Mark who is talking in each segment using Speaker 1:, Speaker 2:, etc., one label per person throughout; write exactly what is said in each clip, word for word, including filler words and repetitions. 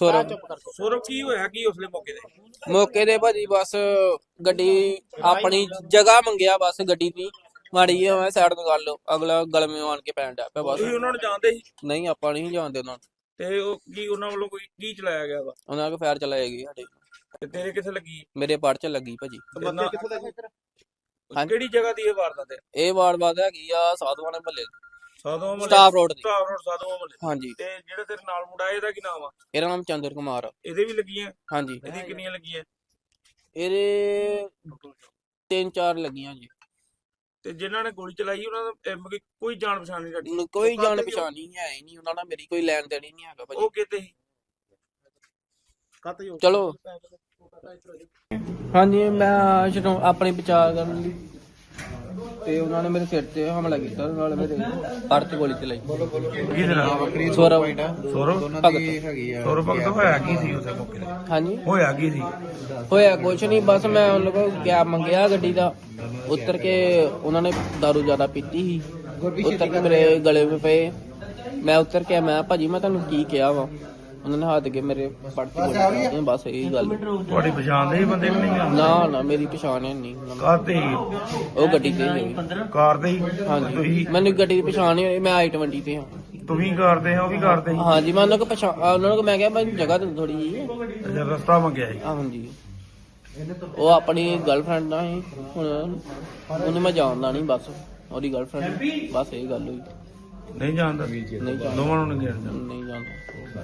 Speaker 1: ਸੌਰਵ
Speaker 2: ਸੌਰਵ ਕੀ ਹੋਇਆ ਕੀ ਉਸਲੇ ਮੌਕੇ ਤੇ?
Speaker 1: ਮੌਕੇ ਤੇ ਭਾਜੀ ਬਸ ਗੱਡੀ ਆਪਣੀ ਜਗ੍ਹਾ ਮੰਗਿਆ, ਬਸ ਗੱਡੀ ਦੀ ਮਾੜੀ ਜਿਹੀ ਮੈਂ ਸਾਈਡ ਤੋਂ ਕਰ ਲਓ, ਅਗਲਾ ਗਲਮੇ ਆਣ ਕੇ ਪੈਣ ਡਿਆ ਪਿਆ ਬਸ।
Speaker 2: ਤੁਸੀਂ ਉਹਨਾਂ ਨੂੰ ਜਾਣਦੇ ਸੀ?
Speaker 1: ਨਹੀਂ ਆਪਾਂ ਨਹੀਂ ਜਾਣਦੇ ਉਹਨਾਂ ਨੂੰ।
Speaker 2: ਤੇ ਉਹ ਕੀ ਉਹਨਾਂ ਵੱਲੋਂ ਕੋਈ ਕੀ ਚਲਾਇਆ ਗਿਆ ਵਾ?
Speaker 1: ਉਹਨਾਂ ਕੋਲ ਫਾਇਰ ਚਲਾਏਗੀ ਸਾਡੇ।
Speaker 2: ਤੇ ਤੇਰੇ ਕਿੱਥੇ ਲੱਗੀ?
Speaker 1: ਮੇਰੇ ਪੜ ਚ ਲੱਗੀ ਭਾਜੀ।
Speaker 2: ਤੇ ਨਾ- ਕਿਹੜੀ ਜਗ੍ਹਾ ਦੀ ਇਹ ਵਾਰਦਾਤ ਹੈ?
Speaker 1: ਇਹ ਵਾਰਦਾਤ ਹੈਗੀ ਆ ਸਾਧੂਆਂ ਦੇ ਮਹੱਲੇ
Speaker 2: ਸਾਧੂਆਂ ਮਹੱਲੇ
Speaker 1: ਸਟਾਫ ਰੋਡ ਦੀ।
Speaker 2: ਸਟਾਫ ਰੋਡ ਸਾਧੂਆਂ ਮਹੱਲੇ।
Speaker 1: ਹਾਂਜੀ।
Speaker 2: ਤੇ ਜਿਹੜਾ ਤੇਰੇ ਨਾਲ ਮੁੰਡਾ ਇਹਦਾ ਕੀ ਨਾਮ ਆ?
Speaker 1: ਇਹਦਾ ਨਾਮ ਚੰਦਰ ਕੁਮਾਰ ਆ।
Speaker 2: ਇਹਦੇ ਵੀ ਲੱਗੀਆਂ?
Speaker 1: ਹਾਂਜੀ।
Speaker 2: ਇਹਦੀ ਕਿੰਨੀਆਂ ਲੱਗੀਆਂ?
Speaker 1: ਇਹਦੇ ਤਿੰਨ ਚਾਰ ਲੱਗੀਆਂ ਜੀ।
Speaker 2: ਤੇ ਜਿਨ੍ਹਾਂ ਨੇ ਗੋਲੀ ਚਲਾਈ ਉਹਨਾਂ ਦਾ ਇਹ ਮਤਲਬ ਕੋਈ ਜਾਣ ਪਛਾਣ ਨਹੀਂ ਸਾਡੀ?
Speaker 1: ਕੋਈ ਜਾਣ ਪਛਾਣ ਨਹੀਂ ਹੈ ਹੀ ਨਹੀਂ ਉਹਨਾਂ ਨਾਲ, ਮੇਰੀ ਕੋਈ ਲੈਣ ਦੇਣ ਹੀ ਨਹੀਂ ਹੈਗਾ ਭਾਜੀ।
Speaker 2: ਉਹ ਕਿਤੇ ਸੀ?
Speaker 1: ਚਲੋ ਹਾਂਜੀ, ਮੈਂ ਜਦੋਂ ਆਪਣੀ ਬਚਾਅ ਕਰਨ ਲਈ ਤੇ ਉਹਨਾਂ ਨੇ ਮੇਰੇ ਸਿਰ ਤੇ ਹਮਲਾ ਕੀਤਾ, ਨਾਲ ਮੇਰੇ ਪੜ ਤੇ ਗੋਲੀ ਚਲਾਈ।
Speaker 2: ਕਿਹਦੇ ਨਾਲ?
Speaker 1: ਸੌਰਵ
Speaker 2: ਸੌਰਵ
Speaker 1: ਭਗਤ।
Speaker 2: ਸੌਰਵ ਭਗਤ ਹੋਇਆ ਕੀ ਸੀ ਉਸੇ ਮੌਕੇ ਤੇ?
Speaker 1: ਹਾਂਜੀ
Speaker 2: ਹੋਇਆ ਕੀ ਸੀ?
Speaker 1: ਹੋਇਆ ਕੁਛ ਨਹੀਂ, ਬਸ ਮੈਂ ਉਹਨਾਂ ਕੋਲ ਕੈਬ ਮੰਗਿਆ ਗੱਡੀ ਦਾ, ਉਤਰ ਕੇ ਉਹਨਾਂ ਨੇ ਦਾਰੂ ਜ਼ਿਆਦਾ ਪੀਤੀ ਸੀ, ਉਤਰ ਕੇ ਮੇਰੇ ਗਲੇ ਵਿੱਚ ਪਏ। ਮੈਂ ਉਤਰ ਕੇ ਮੈਂ ਭਾਜੀ ਮੈਂ ਤੁਹਾਨੂੰ ਕੀ ਕਿਹਾ ਵਾ? ਉਹਨਾਂ ਨੇ ਹੱਥ ਕੇ ਮੇਰੇ ਪੜ ਤੇ ਗੋਲੀ ਚਲਾਈ, ਬਸ ਇਹੀ ਗੱਲ।
Speaker 2: ਤੁਹਾਡੀ ਪਛਾਣ ਦੇ ਬੰਦੇ ਕਿ ਨਹੀਂ?
Speaker 1: ਨਾ ਨਾ ਮੇਰੀ ਪਛਾਣ ਹੈ ਨਹੀਂ।
Speaker 2: ਕਾਰ ਤੇ ਹੀ?
Speaker 1: ਉਹ ਗੱਡੀ ਤੇ ਹੀ
Speaker 2: ਕਾਰ ਤੇ ਹੀ?
Speaker 1: ਹਾਂਜੀ,
Speaker 2: ਤੁਸੀਂ
Speaker 1: ਮੈਨੂੰ ਗੱਡੀ ਦੀ ਪਛਾਣ ਨਹੀਂ ਹੋਈ, ਮੈਂ ਆਈ ਟਵੰਟੀ ਤੇ ਹਾਂ।
Speaker 2: ਤੁਸੀਂ ਕਰਦੇ ਹੋ ਉਹ ਵੀ ਕਰਦੇ ਸੀ?
Speaker 1: ਹਾਂਜੀ, ਮੈਂ ਉਹਨਾਂ ਕੋ ਪਛਾਣ ਉਹਨਾਂ ਨੂੰ ਮੈਂ ਕਿਹਾ ਮੈਨੂੰ ਜਗ੍ਹਾ ਦੇ ਥੋੜੀ ਜੀ।
Speaker 2: ਅੱਛਾ, ਰਸਤਾ ਮੰਗਿਆ ਸੀ?
Speaker 1: ਹਾਂਜੀ, ਉਹ ਆਪਣੀ ਗਰਲਫ੍ਰੈਂਡ ਨਾਲ ਸੀ, ਹੁਣ ਉਹਨੂੰ ਮੈਂ ਜਾਣਦਾ ਨਹੀਂ, ਬਸ ਉਹਦੀ ਗਰਲਫ੍ਰੈਂਡ, ਬਸ ਇਹ ਗੱਲ ਹੋਈ।
Speaker 2: ਨਹੀਂ ਜਾਣਦਾ?
Speaker 1: ਨਹੀਂ ਜਾਣਦਾ,
Speaker 2: ਦੋਵਾਂ ਨੂੰ ਨਹੀਂ ਜਾਣਦਾ?
Speaker 1: ਨਹੀਂ ਜਾਣਦਾ।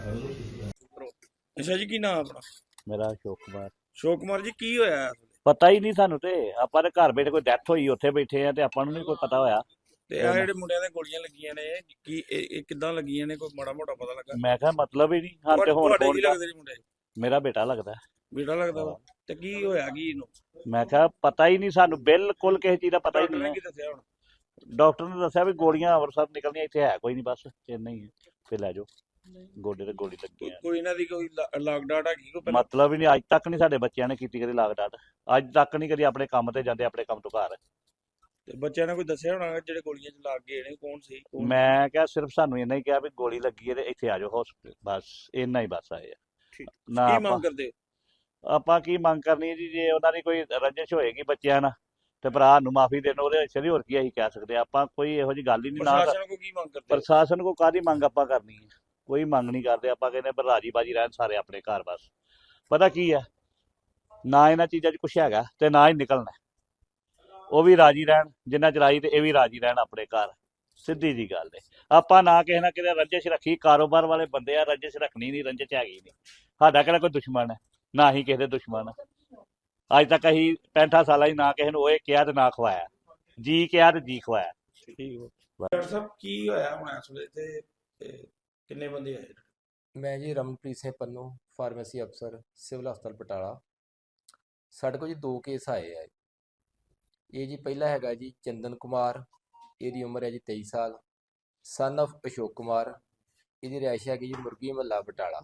Speaker 2: ਅੱਛਾ ਜੀ, ਕੀ ਨਾਮ ਆਪਣਾ?
Speaker 3: ਮੇਰਾ ਅਸ਼ੋਕ ਕੁਮਾਰ।
Speaker 2: ਅਸ਼ੋਕ ਕੁਮਾਰ ਜੀ, ਕੀ ਹੋਇਆ?
Speaker 3: ਪਤਾ ਹੀ ਨਹੀਂ ਸਾਨੂੰ, ਤੇ ਆਪਾਂ ਦੇ ਘਰ ਬੈਠੇ ਕੋਈ ਡੈਥ ਹੋਈ ਉੱਥੇ ਬੈਠੇ ਆ ਤੇ ਆਪਾਂ ਨੂੰ ਨਹੀਂ ਕੋਈ ਪਤਾ ਹੋਇਆ।
Speaker 2: ਤੇ ਆ ਜਿਹੜੇ ਮੁੰਡਿਆਂ ਦੇ ਗੋਲੀਆਂ ਲੱਗੀਆਂ ਨੇ ਕੀ ਇਹ ਇਹ ਕਿੱਦਾਂ ਲੱਗੀਆਂ ਨੇ? ਕੋਈ ਮਾੜਾ ਮੋਟਾ ਪਤਾ ਲੱਗਾ?
Speaker 3: ਮੈਂ ਕਿਹਾ ਮਤਲਬ ਹੀ ਨਹੀਂ ਹਾਂ ਤੇ ਹੁਣ
Speaker 2: ਤੁਹਾਡੇ
Speaker 3: ਫੋਨ
Speaker 2: ਕੀ ਲੱਗਦੇ ਨੇ ਮੁੰਡੇ?
Speaker 3: ਮੇਰਾ ਬੇਟਾ ਲੱਗਦਾ।
Speaker 2: ਬੇਟਾ ਲੱਗਦਾ ਵਾ? ਤੇ ਕੀ ਹੋਇਆ ਕੀ ਇਹਨੂੰ?
Speaker 3: ਮੈਂ ਕਿਹਾ ਪਤਾ ਹੀ ਨਹੀਂ ਸਾਨੂੰ, ਬਿਲਕੁਲ ਕਿਸੇ ਚੀਜ਼ ਦਾ ਪਤਾ ਹੀ
Speaker 2: ਡਾਕਟਰ ਨੇ
Speaker 3: ਨਹੀਂ
Speaker 2: ਕੀ ਦੱਸਿਆ ਹੁਣ?
Speaker 3: ਡਾਕਟਰ ਨੇ ਦੱਸਿਆ ਵੀ ਗੋਲੀਆਂ ਅੰਮ੍ਰਿਤਸਰ ਨਿਕਲਣੀਆਂ, ਇੱਥੇ ਹੈ ਕੋਈ ਨਹੀਂ, ਬਸ ਇੰਨਾ ਹੀ ਹੈ, ਤੇ ਲੈ ਜਾਓ। ਗੋਡੇ ਤੇ ਗੋਲੀ ਲੱਗੀ ਆ।
Speaker 2: ਕੋਈ ਇਹਨਾਂ ਦੀ ਕੋਈ ਲਾਗ ਡਾਟ ਹੈਗੀ ਕੋਈ ਪਹਿਲਾਂ?
Speaker 3: ਮਤਲਬ ਹੀ ਨਹੀਂ, ਅੱਜ ਤੱਕ ਨਹੀਂ ਸਾਡੇ ਬੱਚਿਆਂ ਨੇ ਕੀਤੀ ਕਦੀ ਲਾਗ ਡਾਟ, ਅੱਜ ਤੱਕ ਨਹੀਂ ਕਦੀ ਆਪਣੇ ਕੰਮ ਤੇ ਜਾਂਦੇ, ਆਪਣੇ ਕੰਮ ਤੋਂ ਘਰ।
Speaker 2: ਤੇ ਬੱਚਿਆਂ ਨੇ ਕੋਈ ਦੱਸਿਆ ਹੋਣਾ ਜਿਹੜੇ ਗੋਲੀਆਂ ਚ ਲੱਗ ਗਏ ਨੇ ਕੌਣ ਸੀ? ਕੌਣ?
Speaker 3: ਮੈਂ ਕਿਹਾ ਸਿਰਫ ਸਾਨੂੰ ਇੰਨਾ ਹੀ ਕਿਹਾ ਵੀ ਗੋਲੀ ਲੱਗੀ ਹੈ ਤੇ ਇੱਥੇ ਆ ਜਾਓ ਹਸਪੀਟਲ, ਬਸ ਇੰਨਾ ਹੀ ਬਸ ਆਏ ਆ।
Speaker 2: ਠੀਕ।
Speaker 3: ਨਾ
Speaker 2: ਕੀ
Speaker 3: ਆਪਾਂ
Speaker 2: ਮੰਗ ਕਰਦੇ ਹੋ?
Speaker 3: ਆਪਾਂ ਕੀ ਮੰਗ ਕਰਨੀ ਹੈ ਜੀ, ਜੇ ਉਹਨਾਂ ਦੀ ਕੋਈ ਰੰਜਿਸ਼ ਹੋਏਗੀ ਬੱਚਿਆਂ ਨਾਲ ਤੇ ਭਰਾ ਨੂੰ ਮਾਫੀ ਦੇਣ, ਉਹਦੇ ਵਿੱਚ ਹੋਰ ਕੀ ਅਸੀਂ ਕਹਿ ਸਕਦੇ ਹਾਂ। ਆਪਾਂ ਕੋਈ ਇਹੋ ਜਿਹੀ ਗੱਲ ਹੀ ਨਹੀਂ। ਨਾ
Speaker 2: ਪ੍ਰਸ਼ਾਸਨ ਕੋ ਕੀ ਮੰਗ ਕਰਦੇ ਹੋ?
Speaker 3: ਪ੍ਰਸ਼ਾਸਨ ਕੋ ਕਾਹਦੀ ਮੰਗ ਆਪਾਂ ਕਰਨੀ ਹੈ? ਕੋਈ ਮੰਗ ਨਹੀਂ ਕਰਦੇ ਆਪਾਂ, ਕਹਿੰਦੇ ਪਰ ਰਾਜੀ ਬਾਜੀ ਰਹਿਣ ਸਾਰੇ ਆਪਣੇ ਘਰ। ਬਸ ਪਤਾ ਕੀ ਹੈ, ਨਾ ਇਹਨਾਂ ਚੀਜ਼ਾਂ 'ਚ ਕੁਛ ਹੈਗਾ ਤੇ ਨਾ ਹੀ ਨਿਕਲਣਾ। ਉਹ ਵੀ ਰਾਜੀ ਰਹਿਣ ਜਿੰਨਾ ਚਲਾਈ, ਤੇ ਇਹ ਵੀ ਰਾਜੀ ਰਹਿਣ ਆਪਣੇ ਘਰ, ਸਿੱਧੀ ਜੀ ਗੱਲ ਹੈ। ਆਪਾਂ ਨਾ ਕਿਸੇ ਨਾ ਕਿਤੇ ਰੰਜਿਸ਼ ਰੱਖੀ, ਕਾਰੋਬਾਰ ਵਾਲੇ ਬੰਦੇ ਆ, ਰੰਜਿਸ਼ ਰੱਖਣੀ ਨਹੀਂ, ਰੰਜਿਸ਼ ਹੈਗੀ ਨਹੀਂ। ਸਾਡਾ ਕਿਹੜਾ ਕੋਈ ਦੁਸ਼ਮਣ ਹੈ, ਨਾ ਹੀ ਕਿਸੇ ਦੇ ਦੁਸ਼ਮਣ। ਅੱਜ ਤੱਕ ਅਸੀਂ ਪੈਂਠਾਂ ਸਾਲਾਂ ਹੀ ਨਾ ਕਿਸੇ ਨੂੰ ਉਹ ਕਿਹਾ ਤੇ ਨਾ ਖਵਾਇਆ, ਜੀ ਕਿਹਾ ਤੇ ਜੀ ਖਵਾਇਆ।
Speaker 2: ਠੀਕ ਹੋ ਡਾਕਟਰ ਸਾਹਿਬ, ਕੀ ਹੋਇਆ ਹੁਣ ਇਸ ਵੇਲੇ ਤੇ ਤੇ ਕਿੰਨੇ ਬੰਦੇ ਆਏ?
Speaker 4: ਮੈਂ ਜੀ ਰਮਨਪ੍ਰੀਤ ਸਿੰਘ ਪੰਨੂ, ਫਾਰਮੇਸੀ ਅਫਸਰ, ਸਿਵਲ ਹਸਪਤਾਲ ਬਟਾਲਾ। ਸਾਡੇ ਕੋਲ ਜੀ ਦੋ ਕੇਸ ਆਏ ਆ। ਇਹ ਜੀ ਪਹਿਲਾ ਹੈਗਾ ਜੀ ਚੰਦਨ ਕੁਮਾਰ, ਇਹਦੀ ਉਮਰ ਹੈ ਜੀ ਤੇਈ ਸਾਲ, ਸਨ of ਅਸ਼ੋਕ ਕੁਮਾਰ। ਇਹਦੀ ਰਿਹਾਇਸ਼ ਹੈਗੀ ਜੀ ਮੁਰਗੀ ਮਹੱਲਾ ਬਟਾਲਾ।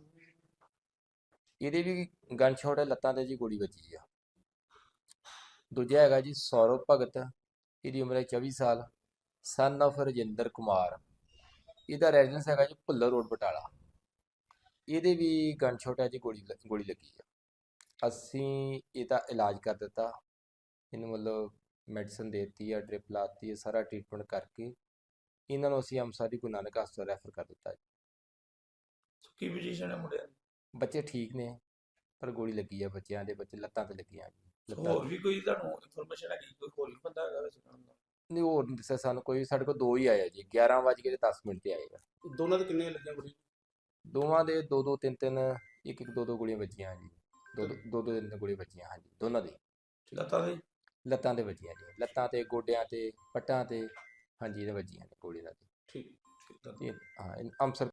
Speaker 4: ਇਹਦੇ ਵੀ ਗਨ ਸ਼ਾਟ ਹੈ, ਲੱਤਾਂ ਤੇ ਜੀ ਗੋਲੀ ਵੱਜੀ ਆ। ਦੂਜਾ ਹੈਗਾ ਜੀ ਸੌਰਵ ਭਗਤ, ਇਹਦੀ ਉਮਰ ਹੈ ਚੌਵੀ ਸਾਲ, ਸਨ of ਰਜਿੰਦਰ ਕੁਮਾਰ। ਇਹਦਾ ਰੈਜ਼ੀਡੈਂਸ ਹੈਗਾ ਜੀ ਭੁੱਲਰ ਰੋਡ ਬਟਾਲਾ। ਇਹਦੇ ਵੀ ਗਨ ਸ਼ਾਟ ਹੈ ਜੀ, ਗੋਲੀ ਗੋਲੀ ਲੱਗੀ ਆ। ਅਸੀਂ ਇਹਦਾ ਇਲਾਜ ਕਰ ਦਿੱਤਾ, ਇਹਨੂੰ ਮਤਲਬ ਮੈਡੀਸਨ ਦੇ ਦਿੱਤੀ ਆ, ਡ੍ਰਿਪ ਲਾਤੀ ਹੈ, ਸਾਰਾ ਟ੍ਰੀਟਮੈਂਟ ਕਰਕੇ ਇਹਨਾਂ ਨੂੰ ਅਸੀਂ ਅੰਮ੍ਰਿਤਸਰ ਦੀ ਗੁਰੂ ਨਾਨਕ ਹਸਪਤਾਲ ਰੈਫਰ ਕਰ ਦਿੱਤਾ ਜੀ।
Speaker 2: ਕੀ ਪੋਜੀਸ਼ਨ ਹੈ ਮੁੰਡਿਆਂ ਦੀ?
Speaker 4: ਬੱਚੇ ਠੀਕ ਨੇ, ਪਰ ਗੋਲੀ ਲੱਗੀ ਆ ਬੱਚਿਆਂ ਦੇ, ਬੱਚੇ ਲੱਤਾਂ ਤੇ ਲੱਗੀਆਂ ਜੀ। ਲੱਤਾਂ
Speaker 2: ਹੋਰ ਵੀ ਕੋਈ ਤੁਹਾਨੂੰ ਇਨਫੋਰਮੇਸ਼ਨ ਹੈਗੀ ਕੋਈ ਹੋਰ ਵੀ ਬੰਦਾ ਹੈਗਾ ਵੈਸੇ ਨਾਲ ਦਾ?
Speaker 4: ਨਹੀਂ, ਹੋਰ ਨਹੀਂ ਦੱਸਿਆ ਸਾਨੂੰ ਕੋਈ। ਸਾਡੇ ਕੋਲ ਦੋ ਹੀ ਆਇਆ ਜੀ, ਗਿਆਰਾਂ ਵੱਜ ਕੇ ਦਸ ਮਿੰਟ ਤੇ ਆਏਗਾ।
Speaker 2: ਦੋਨਾਂ ਦੇ ਕਿੰਨੇ ਲੱਗੀਆਂ ਗੋਲੀ?
Speaker 4: ਦੋਵਾਂ ਦੇ ਦੋ ਦੋ ਤਿੰਨ ਤਿੰਨ, ਇੱਕ ਇੱਕ ਦੋ ਦੋ ਗੋਲੀਆਂ ਵੱਜੀਆਂ ਜੀ। ਦੋ ਦੋ ਦੋ ਦੋ ਤਿੰਨ ਤਿੰਨ ਗੋਲੀਆਂ ਵੱਜੀਆਂ ਹਾਂਜੀ, ਦੋਨਾਂ ਦੇ
Speaker 2: ਲੱਤਾਂ ਦੇ?
Speaker 4: ਲੱਤਾਂ ਤੇ ਵੱਜੀਆਂ ਜੀ, ਲੱਤਾਂ ਤੇ, ਗੋਡਿਆਂ ਤੇ, ਪੱਟਾਂ ਤੇ, ਹਾਂਜੀ ਇਹਦੇ ਵੱਜੀਆਂ ਨੇ ਗੋਲੀਆਂ ਦੇ।
Speaker 2: ਠੀਕ ਠੀਕ।
Speaker 4: ਇਹ ਹਾਂ, ਅੰਮ੍ਰਿਤਸਰ